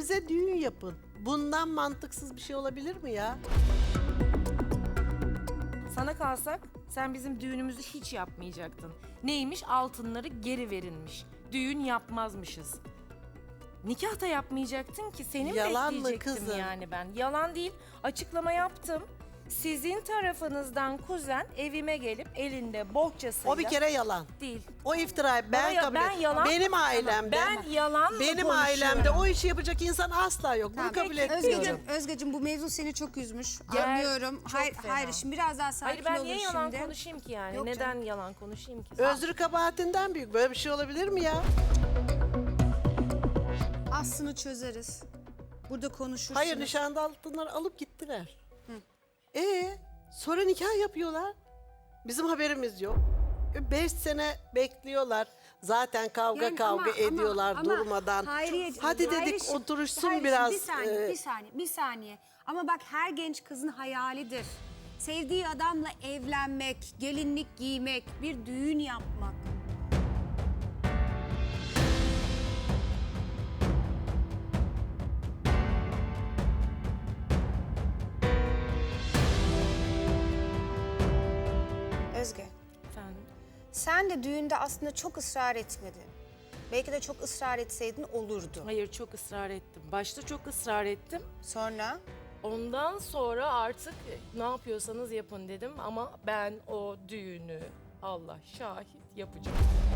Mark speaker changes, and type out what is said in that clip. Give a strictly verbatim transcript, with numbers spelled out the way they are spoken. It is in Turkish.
Speaker 1: Kendinize düğün yapın. Bundan mantıksız bir şey olabilir mi ya?
Speaker 2: Sana kalsak sen bizim düğünümüzü hiç yapmayacaktın. Neymiş? Altınları geri verilmiş. Düğün yapmazmışız. Nikah da yapmayacaktın ki senin
Speaker 1: Yalan mı
Speaker 2: bekleyecektim
Speaker 1: kızım?
Speaker 2: yani ben. Yalan değil. Açıklama yaptım. Sizin tarafınızdan kuzen evime gelip elinde bohçasıyla...
Speaker 1: O bir kere yalan.
Speaker 2: Değil.
Speaker 1: O iftirayı ben
Speaker 2: Bana ya-
Speaker 1: kabul
Speaker 2: ben
Speaker 1: ediyorum.
Speaker 2: yalan mı-
Speaker 1: Benim ailemde.
Speaker 2: Ben yalan mı
Speaker 1: Benim
Speaker 2: konuşuyorum?
Speaker 1: ailemde o işi yapacak insan asla yok. Bunu
Speaker 3: Tamam,
Speaker 1: kabul
Speaker 3: peki,
Speaker 1: etmiyorum.
Speaker 3: Özgeciğim, Özgeciğim bu mevzu seni çok üzmüş.
Speaker 2: Ger-
Speaker 3: Anlıyorum.
Speaker 2: çok
Speaker 3: Hayır,
Speaker 2: fena.
Speaker 3: hayır şimdi biraz daha sakin
Speaker 2: Hayır ben
Speaker 3: olur
Speaker 2: niye yalan
Speaker 3: şimdi.
Speaker 2: konuşayım ki yani?
Speaker 3: Yok
Speaker 2: Neden
Speaker 3: canım.
Speaker 2: yalan konuşayım ki?
Speaker 1: Özrü kabahatinden büyük. Böyle bir şey olabilir mi ya?
Speaker 3: Aslını çözeriz. Burada konuşursunuz.
Speaker 1: Hayır, nişanda altınları alıp gittiler. Ee, sonra nikah yapıyorlar. Bizim haberimiz yok. E, Beş sene bekliyorlar. Zaten kavga
Speaker 3: Yani
Speaker 1: kavga
Speaker 3: ama- ama-
Speaker 1: ediyorlar
Speaker 3: ama
Speaker 1: durmadan.
Speaker 3: Hayriye-
Speaker 1: Hadi dedik
Speaker 3: Hayrişim,
Speaker 1: oturuşsun
Speaker 3: Hayrişim,
Speaker 1: biraz.
Speaker 3: Bir saniye,
Speaker 1: e,
Speaker 3: bir saniye, bir saniye. Ama bak her genç kızın hayalidir. Sevdiği adamla evlenmek, gelinlik giymek, bir düğün yapmak. Özge,
Speaker 2: Efendim?
Speaker 3: sen de düğünde aslında çok ısrar etmedin. Belki de çok ısrar etseydin olurdu.
Speaker 2: Hayır çok ısrar ettim. Başta çok ısrar ettim.
Speaker 3: Sonra?
Speaker 2: Ondan sonra artık ne yapıyorsanız yapın dedim ama ben o düğünü Allah şahit yapacağım.